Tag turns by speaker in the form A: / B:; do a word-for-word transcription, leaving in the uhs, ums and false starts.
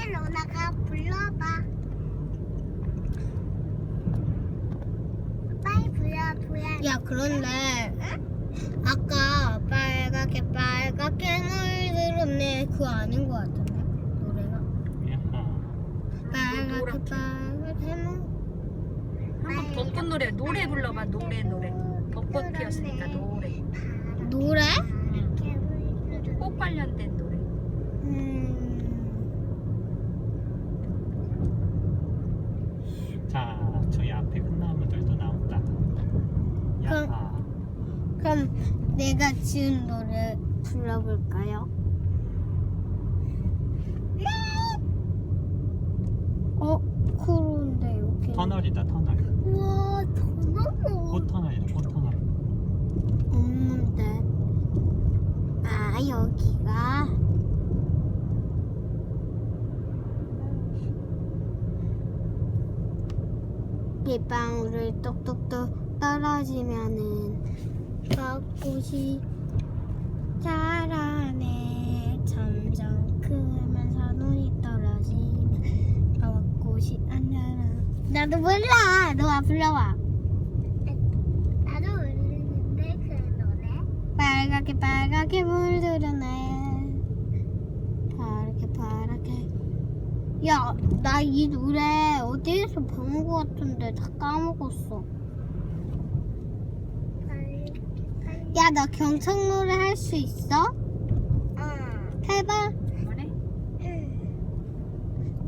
A: 로나가 불러봐. 빨리 불러 불러.
B: 야, 그런데 아까 빨갛게 빨갛게 물들었네 그거 아닌 것 같은데 노래가.
C: 야하.
B: 빨갛게 빨갛게 물.
D: 한번 벚꽃 노래 노래 불러봐. 노래 노래. 벚꽃 피었으니까 노래.
B: 노래?
D: 꽃 관련된 노래.
B: 음.
C: 자, 저희 앞에 큰 나무들도 나온다. 야하.
B: 그럼 내가 지은 노래 불러볼까요? 어? 그런데 여기
C: 터널이다, 터널.
A: 우와 너무
C: 꽃터널이다, 꽃터널.
B: 없는데. 아, 여기가 빗방울을 똑똑똑 떨어지면은 벚꽃이 자라네. 점점 크면서 눈이 떨어지면 벚꽃이 안 자라. 나도 몰라. 너가 불러봐.
A: 나도 울리는데 그 노래.
B: 빨갛게 빨갛게 물들었네. 파랗게 파랗게. 야, 나 이 노래 어디에서 배운 것 같은데 다 까먹었어.
A: 빨리 빨리.
B: 야, 나 경청 노래 할 수 있어?
A: 응.
B: 해봐.